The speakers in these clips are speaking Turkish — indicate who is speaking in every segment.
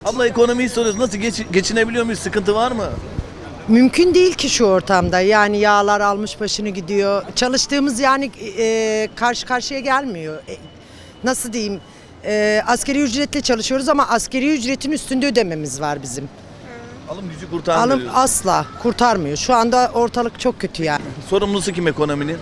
Speaker 1: Abla ekonomiyi soruyoruz. Nasıl geçinebiliyor muyuz? Sıkıntı var mı?
Speaker 2: Mümkün değil ki şu ortamda. Yani yağlar almış başını gidiyor. Çalıştığımız yani karşı karşıya gelmiyor. Nasıl diyeyim? Asgari ücretle çalışıyoruz ama asgari ücretin üstünde ödememiz var bizim.
Speaker 1: Alım gücü kurtarmıyor.
Speaker 2: Alım asla kurtarmıyor. Şu anda ortalık çok kötü yani.
Speaker 1: Sorumlusu kim ekonominin?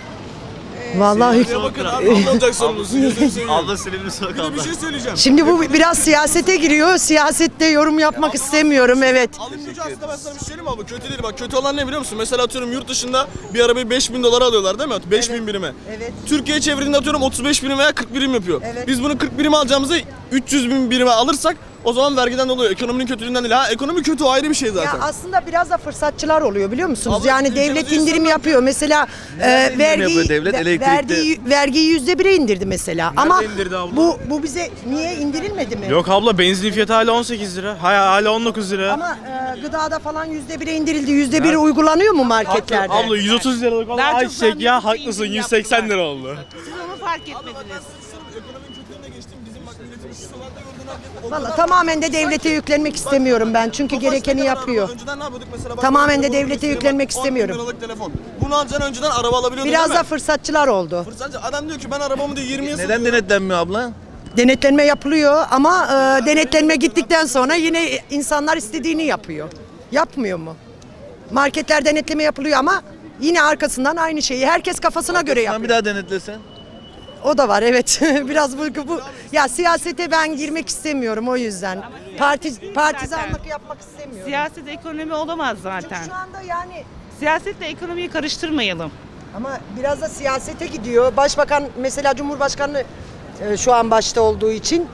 Speaker 2: Vallahi
Speaker 3: Bakın abi anlatacak sorumlusu. Gözünü seveyim.
Speaker 1: Abla Silivri Sokak
Speaker 3: Bir de
Speaker 1: abla.
Speaker 3: bir şey söyleyeceğim.
Speaker 2: şimdi bu biraz siyasete giriyor. Siyasette yorum yapmak istemiyorum, evet.
Speaker 3: Alım gücü aslında ben sana bir şey söyleyeyim mi abi? Kötü değil bak. Kötü olan ne biliyor musun? Mesela atıyorum yurt dışında bir arabayı 5.000 dolara alıyorlar değil mi? 5.000 birime.
Speaker 2: Evet.
Speaker 3: Türkiye'ye çevirdiğinde atıyorum 35 birim veya 40 birim yapıyor.
Speaker 2: Evet.
Speaker 3: Biz bunu 40 birim alacağımızı 300 bin birime alırsak o zaman vergiden dolayı ekonominin kötülüğünden değil. Ha ekonomi kötü o ayrı bir şey zaten.
Speaker 2: Ya aslında biraz da fırsatçılar oluyor biliyor musunuz?
Speaker 3: Abla,
Speaker 2: yani
Speaker 3: ülkemizi
Speaker 2: devlet indirim
Speaker 3: insanlar-
Speaker 2: yapıyor. Mesela
Speaker 1: indirim yapıyor devlet? Elektrikte.
Speaker 2: vergiyi %1'e indirdi mesela. Ama
Speaker 4: indirdi abla?
Speaker 2: bu bize niye indirilmedi mi?
Speaker 4: Yok abla benzin fiyatı hala 18 lira. Hala 19 lira.
Speaker 2: Ama gıdada falan %1'e indirildi. %1 uygulanıyor mu marketlerde?
Speaker 4: Abla 130 liralık olan
Speaker 5: Daha çok
Speaker 4: ayçiçek
Speaker 5: zahmetli
Speaker 4: ya
Speaker 5: bir
Speaker 4: haklısın
Speaker 5: indirim
Speaker 4: 180
Speaker 5: yaptılar.
Speaker 4: lira oldu.
Speaker 5: Siz onu fark etmediniz.
Speaker 3: Ekonominin kötülüğüne geçtim. Bizim bak milletimiz şu sıralarda gördüğün herkes-
Speaker 2: Vallahi tamamen de devlete yüklenmek istemiyorum ben. Çünkü gerekeni
Speaker 3: Tofaş ne kadar
Speaker 2: yapıyor.
Speaker 3: araba? Önceden ne yapıyorduk mesela? Bak,
Speaker 2: Tamamen de
Speaker 3: telefonu
Speaker 2: devlete
Speaker 3: göstereyim,
Speaker 2: yüklenmek
Speaker 3: bak, 10 bin
Speaker 2: istemiyorum.
Speaker 3: liralık telefon. Bunu alacaksın önceden araba alabiliyordun
Speaker 2: Biraz
Speaker 3: değil
Speaker 2: da
Speaker 3: mi?
Speaker 2: fırsatçılar oldu.
Speaker 3: Fırsatçı adam diyor ki ben arabamı diyor 20'ye
Speaker 1: Neden
Speaker 3: satıyorum.
Speaker 1: denetlenmiyor abla?
Speaker 2: Denetlenme yapılıyor ama denetlenme gittikten sonra yine insanlar istediğini yapıyor. Yapmıyor mu? Marketler denetleme yapılıyor ama yine arkasından aynı şeyi herkes kafasına göre
Speaker 1: Sen
Speaker 2: yapıyor.
Speaker 1: bir daha denetlesen.
Speaker 2: O da var, evet. Biraz bu ya siyasete ben girmek istemiyorum o yüzden. Partizanlık yapmak istemiyorum.
Speaker 5: Siyaset ekonomi olamaz zaten.
Speaker 2: Şu anda yani
Speaker 5: Siyasetle ekonomiyi karıştırmayalım.
Speaker 2: ama biraz da siyasete gidiyor. Başbakan mesela Cumhurbaşkanı şu an başta olduğu için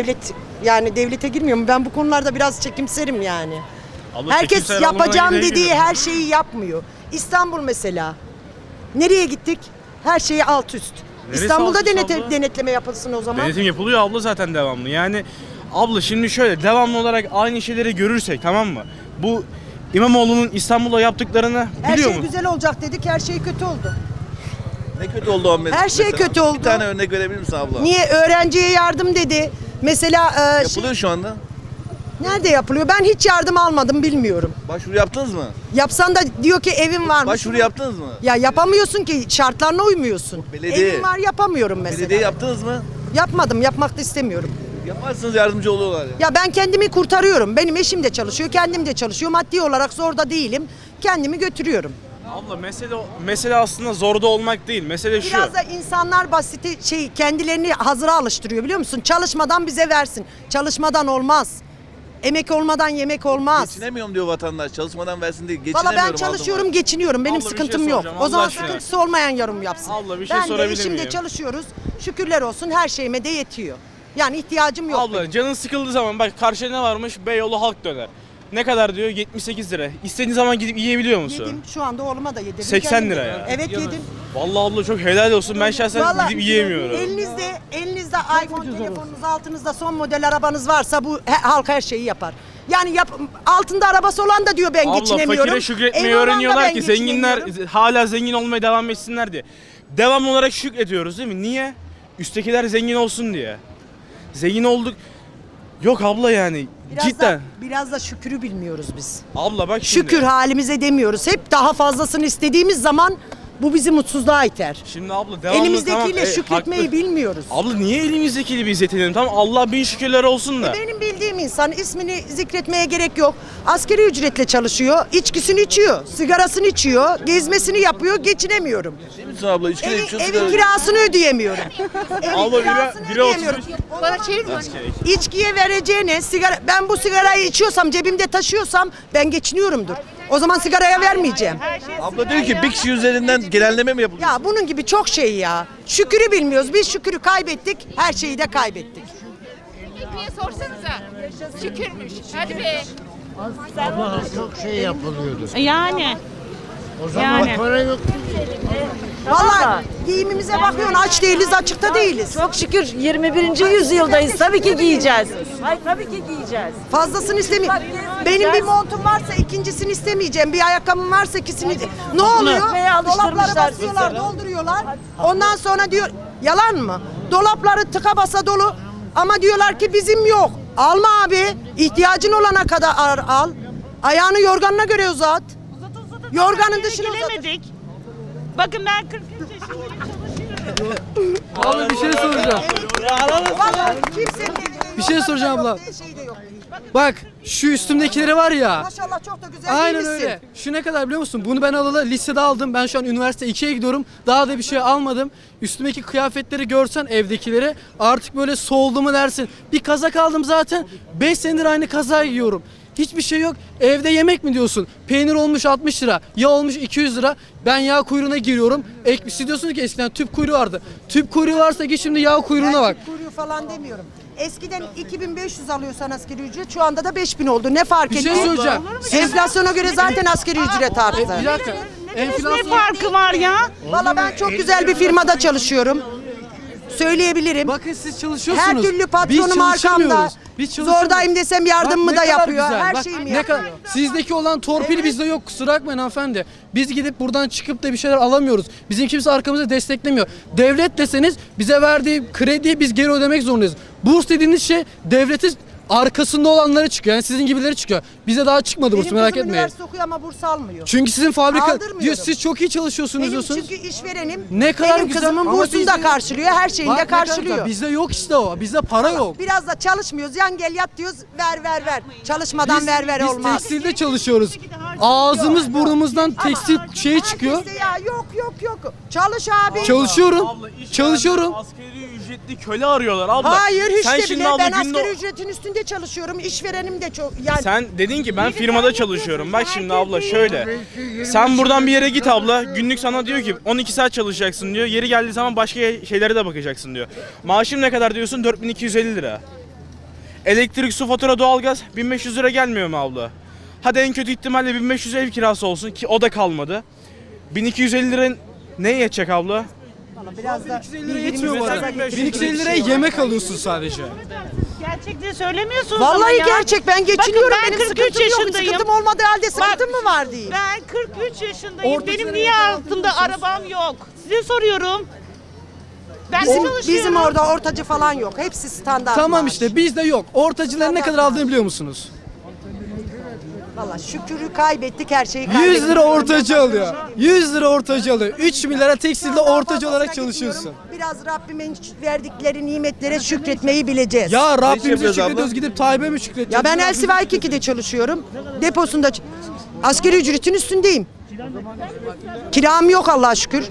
Speaker 2: devlete girmiyor mu? Ben bu konularda biraz çekimserim yani.
Speaker 4: Abla
Speaker 2: Herkes
Speaker 4: çekimser alımına
Speaker 2: yapacağım
Speaker 4: gidelim.
Speaker 2: dediği her şeyi yapmıyor. İstanbul mesela. Nereye gittik? Her şeyi alt üst.
Speaker 4: Neresi
Speaker 2: İstanbul'da
Speaker 4: alt üst abla?
Speaker 2: denetleme yapılsın o zaman.
Speaker 4: Denetim yapılıyor abla zaten devamlı. Yani abla şimdi şöyle devamlı olarak aynı şeyleri görürsek tamam mı? Bu İmamoğlu'nun İstanbul'da yaptıklarını
Speaker 2: Her
Speaker 4: biliyor
Speaker 2: şey
Speaker 4: mu?
Speaker 2: güzel olacak dedik, her şey kötü oldu.
Speaker 1: Ne kötü oldu o
Speaker 2: Her şey kötü oldu.
Speaker 1: Bir tane örnek verebilir misin abla?
Speaker 2: Niye? Öğrenciye yardım dedi. Mesela
Speaker 1: Yapılıyor şu anda.
Speaker 2: nerede yapılıyor? Ben hiç yardım almadım, bilmiyorum.
Speaker 1: Başvuru yaptınız mı?
Speaker 2: Yapsan da diyor ki evin var mı?
Speaker 1: Başvuru yaptınız mı?
Speaker 2: Ya yapamıyorsun ki, şartlarına uymuyorsun.
Speaker 1: Belediye.
Speaker 2: Evin var, yapamıyorum mesela.
Speaker 1: Belediye yaptınız mı?
Speaker 2: Yapmadım, yapmak da istemiyorum.
Speaker 1: Yaparsınız yardımcı oluyorlar ya.
Speaker 2: Ya ben kendimi kurtarıyorum. Benim eşim de çalışıyor, kendim de çalışıyor. Maddi olarak zorda değilim. Kendimi götürüyorum.
Speaker 4: Abla mesele aslında zorda olmak değil. Mesele şu.
Speaker 2: Biraz da insanlar kendilerini hazıra alıştırıyor biliyor musun? Çalışmadan bize versin. Çalışmadan olmaz. Emek olmadan yemek olmaz.
Speaker 1: Geçinemiyorum diyor vatandaş. Çalışmadan versin değil.
Speaker 2: Valla
Speaker 1: Geçinemiyorum.
Speaker 2: ben çalışıyorum, geçiniyorum. Benim
Speaker 4: Abla bir şey
Speaker 2: sıkıntım yok.
Speaker 4: soracağım,
Speaker 2: O zaman
Speaker 4: Allah aşkına.
Speaker 2: sıkıntısı olmayan yorum yapsın.
Speaker 4: Abla bir şey
Speaker 2: ben de
Speaker 4: sorabilir
Speaker 2: eşimle
Speaker 4: miyim?
Speaker 2: çalışıyoruz. Şükürler olsun, her şeyime de yetiyor. Yani ihtiyacım yok.
Speaker 4: Abla canın sıkıldığı zaman bak karşıda ne varmış? Beyoğlu halk döner. Ne kadar diyor? 78 lira. İstediğin zaman gidip yiyebiliyor musun?
Speaker 2: Yedim, şu anda oğluma da yedim.
Speaker 4: 80
Speaker 2: Kendim
Speaker 4: lira
Speaker 2: de.
Speaker 4: ya.
Speaker 2: Evet yedim.
Speaker 4: Vallahi abla çok helal olsun. Ben şahsen
Speaker 2: Vallahi
Speaker 4: gidip yiyemiyorum.
Speaker 2: elinizde iPhone telefonunuz, altınızda son model arabanız varsa bu halk her şeyi yapar. Yani altında arabası olan da diyor ben
Speaker 4: Abla
Speaker 2: geçinemiyorum.
Speaker 4: fakire şükretmeyi
Speaker 2: Evi olan da
Speaker 4: öğreniyorlar
Speaker 2: ben
Speaker 4: ki zenginler
Speaker 2: geçinemiyorum.
Speaker 4: hala zengin olmaya devam etsinler diye. Devamlı olarak şükrediyoruz değil mi? Niye? Üsttekiler zengin olsun diye. Zengin olduk. Yok abla yani. Cidden.
Speaker 2: Biraz da şükrü bilmiyoruz biz.
Speaker 4: Abla bak şimdi.
Speaker 2: Şükür halimize demiyoruz. Hep daha fazlasını istediğimiz zaman bu bizi mutsuzluğa iter.
Speaker 4: Şimdi abla devamlı
Speaker 2: Elimizdekiyle
Speaker 4: tamam,
Speaker 2: şükretmeyi
Speaker 4: haklı.
Speaker 2: bilmiyoruz.
Speaker 4: Abla niye elimizdekiyle biz yetenelim? Tamam Allah bin şükürler olsun da.
Speaker 2: Benim bildiğim insan, ismini zikretmeye gerek yok. Asgari ücretle çalışıyor, içkisini içiyor, sigarasını içiyor, gezmesini yapıyor, geçinemiyorum.
Speaker 1: Değil misin abla? 3 kilo içiyorsun.
Speaker 2: Evin kirasını ödeyemiyorum.
Speaker 4: Abla bire 33.
Speaker 5: Bana çevirme.
Speaker 2: İçkiye vereceğine sigara, ben bu sigarayı içiyorsam, cebimde taşıyorsam ben geçiniyorumdur. O zaman sigaraya vermeyeceğim.
Speaker 1: Abla diyor ki bir kişi üzerinden genelleme mi yapılıyor?
Speaker 2: Ya bunun gibi çok şey ya. Şükürü bilmiyoruz. Biz şükürü kaybettik, her şeyi de kaybettik.
Speaker 6: Ekmeğe sorsanıza. Şükürmüş. Hadi be.
Speaker 7: Ama çok şey yapılıyordu.
Speaker 5: Yani.
Speaker 7: O zaman
Speaker 5: Yani.
Speaker 7: para yok.
Speaker 2: Vallahi giyimimize bakıyorsun, aç değiliz, açıkta değiliz.
Speaker 8: Çok şükür 21. yüzyıldayız. Tabii ki giyeceğiz. Hayır tabii ki giyeceğiz.
Speaker 2: Fazlasını istemiyorum. Benim bir montum varsa ikincisini istemeyeceğim. Bir ayakkabım varsa ikisini. Ne oluyor?
Speaker 8: Ekmeğe
Speaker 2: Dolapları
Speaker 8: alıştırmışlar
Speaker 2: basıyorlar,
Speaker 8: bizi.
Speaker 2: dolduruyorlar. Ondan sonra diyor, yalan mı? Dolapları tıka basa dolu ama diyorlar ki bizim yok. Alma abi. İhtiyacın olana kadar al. Ayağını yorganına göre uzat. Yorganın dışına uzat.
Speaker 5: Gelemedik. Bakın ben 43 yaşındayım, çalışıyorum.
Speaker 9: Abi bir şey soracağım.
Speaker 2: Vallahi kimsenin
Speaker 9: Bir şey soracağım abla.
Speaker 2: şey de yok.
Speaker 9: Bak şu üstümdekileri var ya.
Speaker 2: Maşallah çok da güzel
Speaker 9: Aynen
Speaker 2: giymişsin.
Speaker 9: öyle. Şu ne kadar biliyor musun? Bunu ben alalı lisede aldım. Ben şu an üniversite 2'ye gidiyorum. Daha da bir şey almadım. Üstümdeki kıyafetleri görsen evdekileri artık böyle soldu mu dersin. Bir kazak aldım zaten. 5 senedir aynı kazağı giyiyorum. Hiçbir şey yok. Evde yemek mi diyorsun? Peynir olmuş 60 lira. Yağ olmuş 200 lira. Ben yağ kuyruğuna giriyorum. Siz diyorsunuz ki eskiden tüp kuyruğu vardı. Tüp kuyruğu varsa git şimdi yağ kuyruğuna bak.
Speaker 2: Ben kuyruğu falan demiyorum. Eskiden 2500 alıyorsan asgari ücret, şu anda da 5000 oldu. Ne fark
Speaker 9: Bir
Speaker 2: ediyor?
Speaker 9: şey söyleyeceğim.
Speaker 2: Enflasyona göre zaten asgari ücret arttı.
Speaker 9: Bir dakika.
Speaker 5: Ne
Speaker 9: Enflasyon...
Speaker 5: farkı var ya?
Speaker 2: Valla ben çok güzel bir firmada çalışıyorum. Söyleyebilirim.
Speaker 9: Bakın siz çalışıyorsunuz.
Speaker 2: Her türlü
Speaker 9: Biz
Speaker 2: patronum arkamda.
Speaker 9: çalışamıyoruz. Biz çalışamıyoruz.
Speaker 2: Zordayım desem
Speaker 9: Bak
Speaker 2: yardımımı
Speaker 9: ne
Speaker 2: da
Speaker 9: kadar
Speaker 2: yapıyor.
Speaker 9: güzel.
Speaker 2: Her
Speaker 9: Bak
Speaker 2: şeyimi
Speaker 9: ne
Speaker 2: yapıyor.
Speaker 9: kadar sizdeki olan torpil bizde yok, kusura bakmayın hanımefendi. Biz gidip buradan çıkıp da bir şeyler alamıyoruz. Bizim kimse arkamızda desteklemiyor. Devlet deseniz bize verdiği krediyi biz geri ödemek zorundayız. Burs dediğiniz şey devletin arkasında olanları çıkıyor. Yani sizin gibileri çıkıyor. Bize daha çıkmadı burs,
Speaker 2: Benim
Speaker 9: merak
Speaker 2: kızım
Speaker 9: etmeyin.
Speaker 2: üniversite okuyor ama burs almıyor.
Speaker 9: Çünkü sizin fabrika
Speaker 2: Aldırmıyorum.
Speaker 9: diyor siz çok iyi çalışıyorsunuz
Speaker 2: Benim
Speaker 9: diyorsunuz.
Speaker 2: çünkü işverenim
Speaker 9: Ne kadar
Speaker 2: benim
Speaker 9: güzel
Speaker 2: kızımın
Speaker 9: ama
Speaker 2: bursunu da
Speaker 9: bizde-
Speaker 2: karşılıyor, her şeyini
Speaker 9: Bak
Speaker 2: de
Speaker 9: ne kadar
Speaker 2: karşılıyor.
Speaker 9: güzel. Bizde yok işte o. Bizde para yok.
Speaker 2: Biraz da çalışmıyoruz. Yan gel yat diyoruz. Ver. Çalışmadan ver
Speaker 9: Biz
Speaker 2: olmaz.
Speaker 9: tekstilde çalışıyoruz. Ağzımız burnumuzdan tekstil şeyi çıkıyor.
Speaker 2: Herkes de ya yok. Çalış abi.
Speaker 9: Çalışıyorum.
Speaker 4: iş
Speaker 9: Çalışıyorum.
Speaker 4: yerinde Asgari ücretli köle arıyorlar abla.
Speaker 2: Hayır hiç
Speaker 4: Sen
Speaker 2: de
Speaker 4: şimdi
Speaker 2: bile
Speaker 4: abla
Speaker 2: ben
Speaker 4: günde-
Speaker 2: asgari ücretin üstünde çalışıyorum. İşverenim de çok yani.
Speaker 4: Sen dedin ki ben firmada çalışıyorum. Bak şimdi abla şöyle. Sen buradan bir yere git abla. Günlük sana diyor ki 12 saat çalışacaksın diyor. Yeri geldiği zaman başka şeylere de bakacaksın diyor. Maaşım ne kadar diyorsun? 4250 lira. Elektrik, su, fatura, doğalgaz 1500 lira gelmiyor mu abla? Hadi en kötü ihtimalle 1500 ev kirası olsun ki o da kalmadı. 1250 lira neye yetecek abla?
Speaker 2: Biraz da
Speaker 9: 1250 lira yetmiyor
Speaker 2: birbirimize
Speaker 9: bana.
Speaker 2: gaza
Speaker 9: 1250 liraya yemek alıyorsun sadece.
Speaker 5: Gerçekleri söylemiyorsunuz ama
Speaker 2: Vallahi
Speaker 5: ya.
Speaker 2: gerçek ben geçiniyorum.
Speaker 5: Bakın ben
Speaker 2: Benim
Speaker 5: 43
Speaker 2: sıkıntım yok.
Speaker 5: yaşındayım.
Speaker 2: Sıkıntım olmadığı halde sıkıntım mı var diyeyim.
Speaker 5: Ben 43 yaşındayım.
Speaker 9: Orta
Speaker 5: Benim
Speaker 9: sınıf
Speaker 5: niye
Speaker 9: eğitim
Speaker 5: altımda arabam yok? Size soruyorum. Ben
Speaker 2: Bizim
Speaker 5: çalışıyorum.
Speaker 2: orada ortacı falan yok. Hepsi standart.
Speaker 9: Tamam
Speaker 2: maaş.
Speaker 9: işte bizde yok. Ortacıların ne kadar aldığını biliyor musunuz?
Speaker 2: Vallahi şükürü kaybettik, her şeyi kaybettik.
Speaker 9: 100 lira ortacı alıyor. 100 lira ortacı alıyor. 3 milyara tekstilde ortacı olarak çalışıyorsun.
Speaker 2: Biraz Rabbimin verdikleri nimetlere şükretmeyi bileceğiz.
Speaker 9: Ya
Speaker 1: Ne
Speaker 9: Rabbimize
Speaker 1: yapıyoruz abla?
Speaker 9: şükrediyoruz gidip Tayyip'e mi şükredeceğiz?
Speaker 2: Ya ben Elsiva 2'de çalışıyorum. Deposunda asgari ücretin üstündeyim. Kiram yok Allah'a şükür.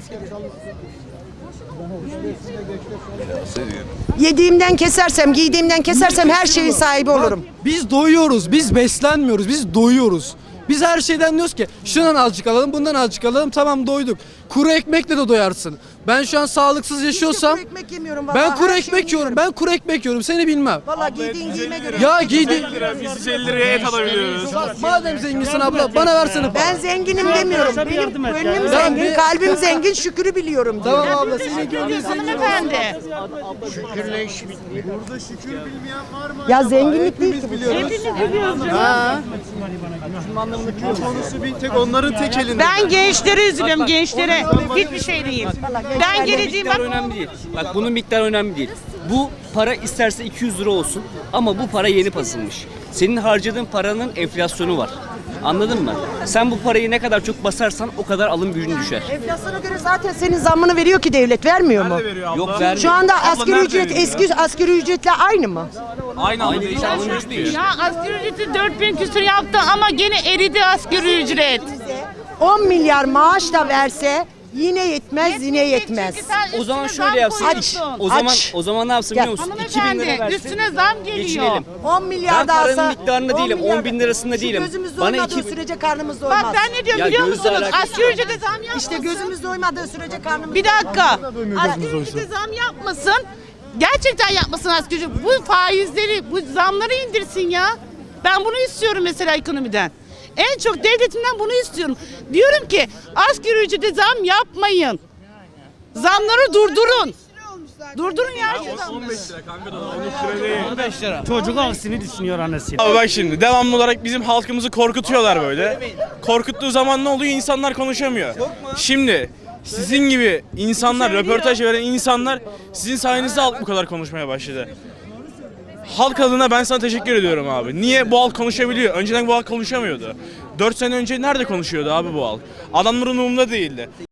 Speaker 2: Yediğimden kesersem, giydiğimden kesersem her şeyin sahibi olurum.
Speaker 9: Biz doyuyoruz, biz beslenmiyoruz, biz doyuyoruz. Biz her şeyden diyoruz ki şundan azıcık alalım, bundan azıcık alalım, tamam doyduk. Kuru ekmekle de doyarsın. Ben şu an sağlıksız yaşıyorsam
Speaker 2: Hiç de kuru ekmek yemiyorum vallahi.
Speaker 9: ben kuru
Speaker 2: Her
Speaker 9: ekmek
Speaker 2: şeyi
Speaker 9: yiyorum. Ben kuru ekmek yiyorum. Seni bilmem.
Speaker 2: Vallahi giydiğin giyime göre.
Speaker 9: Ya giydi.
Speaker 4: Biz 150 liraya et alabiliyoruz.
Speaker 9: Madem zenginsin abla bana versene.
Speaker 2: Ben zenginim demiyorum. Benim gönlüm
Speaker 9: Ya
Speaker 2: zengin,
Speaker 9: ne-
Speaker 2: kalbim zengin, şükürü biliyorum diyor.
Speaker 9: Tamam abla senin gönlün zengin.
Speaker 5: Hanımefendi.
Speaker 7: Şükürle iş bitmiyor.
Speaker 2: Ya zenginlik değil ki bu.
Speaker 5: Ben gençlere üzülüyorum, gençlere. Hiçbir şey değil. Ben geleceğim bak.
Speaker 10: Önemli değil. Bak bunun miktarı önemli değil. Bu para isterse 200 lira olsun ama bu para yeni basılmış. Senin harcadığın paranın enflasyonu var. Anladın mı? Sen bu parayı ne kadar çok basarsan o kadar alım gücün düşer.
Speaker 2: Enflasyona göre zaten senin zammını veriyor ki devlet, vermiyor mu?
Speaker 10: Yok vermiyor.
Speaker 2: Şu anda
Speaker 4: Abla
Speaker 2: asgari
Speaker 4: nerede
Speaker 2: ücret
Speaker 4: veriyor?
Speaker 2: eski asgari ücretle aynı mı?
Speaker 10: Aynı değil, alım gücü değil.
Speaker 5: Ya asgari ücreti 4000 küsur yaptı ama gene eridi asgari ücret.
Speaker 2: 10 milyar maaş da verse yine yetmez, yine yetmez.
Speaker 5: Çünkü sen
Speaker 10: O zaman
Speaker 5: üstüne
Speaker 10: şöyle
Speaker 5: zam
Speaker 10: yapsın.
Speaker 5: koyuyorsun.
Speaker 10: O zaman ne yapsın biliyor musun? 2000 lira
Speaker 5: Hanımefendi
Speaker 10: versin.
Speaker 5: üstüne zam geliyor.
Speaker 10: Geçinelim.
Speaker 2: 10 milyar
Speaker 10: Ben
Speaker 2: da
Speaker 10: paranın
Speaker 2: alsa.
Speaker 10: miktarında
Speaker 2: 10
Speaker 10: değilim,
Speaker 2: milyar
Speaker 10: 10 bin lirasında
Speaker 2: Şu
Speaker 10: değilim.
Speaker 2: gözümüz
Speaker 10: Bana
Speaker 2: doymadığı
Speaker 10: 2000
Speaker 2: sürece karnımız doymaz.
Speaker 5: Bak ben ne diyorum
Speaker 10: Ya
Speaker 5: biliyor
Speaker 10: gözle
Speaker 5: musunuz?
Speaker 10: alakası
Speaker 5: Asgari ücrete zam yapmasın.
Speaker 2: İşte gözümüz doymadığı sürece karnımız
Speaker 5: Bir dakika. Asgari ücrete zam yapmasın. Gerçekten yapmasın asgari ücret. Bu faizleri, bu zamları indirsin ya. Ben bunu istiyorum mesela ekonomiden. En çok devletimden bunu istiyorum. Diyorum ki asgari ücrete zam yapmayın. Zamları durdurun. Durdurun ya şu zamları.
Speaker 7: Çocuk aksini düşünüyor annesi.
Speaker 4: Abi bak şimdi devamlı olarak bizim halkımızı korkutuyorlar böyle. Korkuttuğu zaman ne oluyor? İnsanlar konuşamıyor. Şimdi sizin gibi insanlar, röportaj veren insanlar sizin sayenizde halk bu kadar konuşmaya başladı. Halk adına ben sana teşekkür ediyorum abi. Niye bu halk konuşabiliyor? Önceden bu halk konuşamıyordu. 4 sene önce nerede konuşuyordu abi bu halk? Adamların umurunda değildi.